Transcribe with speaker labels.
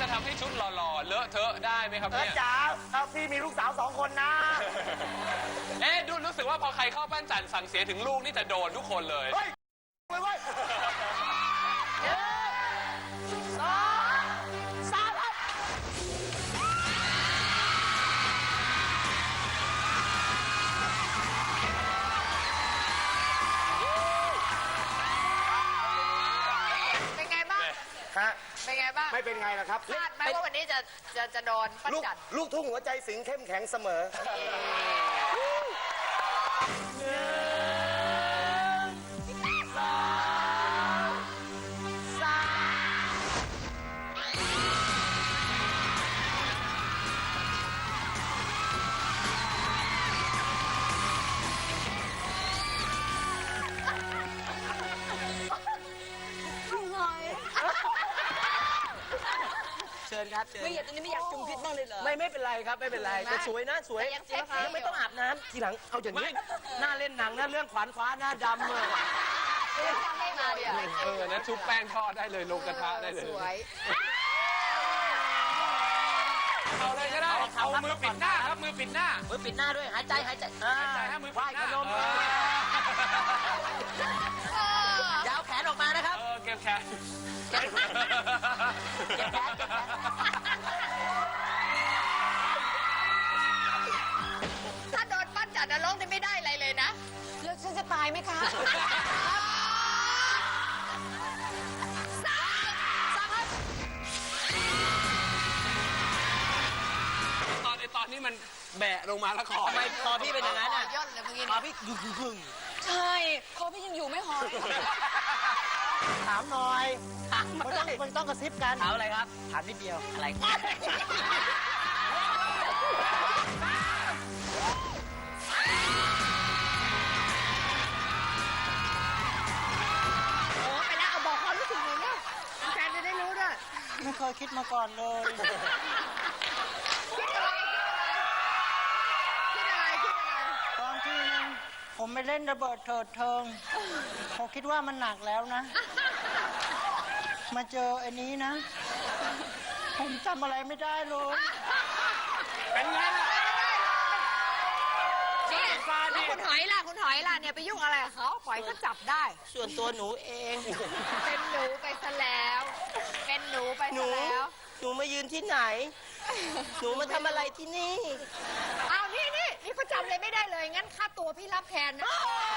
Speaker 1: จะทำให้ชุดหล่อๆเลอะเทอะได้ไหมครับเนี่ย
Speaker 2: จ๋าพี่มีลูกสาว2 คนนะ
Speaker 1: เอ๊ะดูรู้สึกว่าพอใครเข้าปั้นจันสั่งเสียถึงลูกนี่จะโดนทุกคนเลย
Speaker 2: เฮ้ยเว้ย3 ครับ
Speaker 3: เป็นไงบ้าง
Speaker 2: ฮะ
Speaker 3: เป็นไงบ้าง
Speaker 2: ไม่เป็นไงล่ะครับ
Speaker 3: คาดไหมว่าวันนี้จะโดนปั้นจัน
Speaker 2: ลูกทุ่งหัวใจสิงเข้มแข็งเสมอ
Speaker 4: เชิญครับเชิญ
Speaker 5: ไม่อยากตอนนี้ไม่อยากจุ่มพิษบ้างเลยเหรอ
Speaker 4: ไม่เป็นไรครับไม่เป็นไรแต่สวยนะสวย
Speaker 3: แต่ยังเซ็กซี่
Speaker 4: ไม่ต้องอาบน้ำทีหลังเอาอย่างนี้หน้าเล่นหนังนะเรื่องขวานคว้าหน้าดำเลย
Speaker 3: ให้มาเดี๋ยว
Speaker 1: นะชุบแป้งทอดได้เลยลงกระทะได้เลย
Speaker 3: สวย
Speaker 1: เอาเลยก็ได้ เอามือปิดหน้าครับมือปิดหน้า
Speaker 4: มือปิดหน้าด้วยหายใจหายใจ
Speaker 1: ใจให้มือ
Speaker 4: ไหว้
Speaker 1: ปิดห
Speaker 4: ข
Speaker 1: น้าน
Speaker 4: มยาวแขนออกมานะครับ
Speaker 1: เก็บแขน
Speaker 4: เก็บแขนเก็บแขน
Speaker 3: ถ้าโดนปั้นจันนรกนี่ไม่ได้อะไรเลยนะ
Speaker 5: แล้วฉันจะตายไหมคะ
Speaker 1: ตอนนี้มันแบะลงมาแล้วคอ
Speaker 4: ทำไมคอพี่เป็นอย่างนั้นอ่ะ
Speaker 3: ย่นเลยเมื่อกี้
Speaker 4: คอพี่กึ่ง
Speaker 5: ใช่คอพี่ยังอยู่ไม่หอย
Speaker 2: ถามหน่อยมันต้องกระซิบกัน
Speaker 4: ถามอะไรครับถามนิดเดียวอะไร
Speaker 3: โอ้ไปแล้วเอาบอกความรู้สึกหน่อยเนี่ยแฟนจะได้รู้ด้วย
Speaker 4: ไม่เคยคิดมาก่อนเลย
Speaker 3: คิดอะไร
Speaker 4: ตอนที่ผมไปเล่นระเบิดเถิดเทิงผมคิดว่ามันหนักแล้วนะ มาเจออันนี้นะ ผมจำอะไรไม่ได้เลย
Speaker 1: เป็นไงล่ะ
Speaker 3: นี่แล้วคุณหอยล่ะคุณหอยล่ะเนี่ยไปยุ่งอะไรกับเขาปล่อยเขาจับได้
Speaker 4: ส่วนตัวหนูเอง
Speaker 3: เป็นหนูไปซะแล้ว เป็นหนูไปซะแล้ว
Speaker 4: หนูมายืนที่ไหน หนูมาทำอะไรที่นี่
Speaker 3: เอานี่เขาจำเลยไม่ได้เลย งั้นค่าตัวพี่รับแทนนะ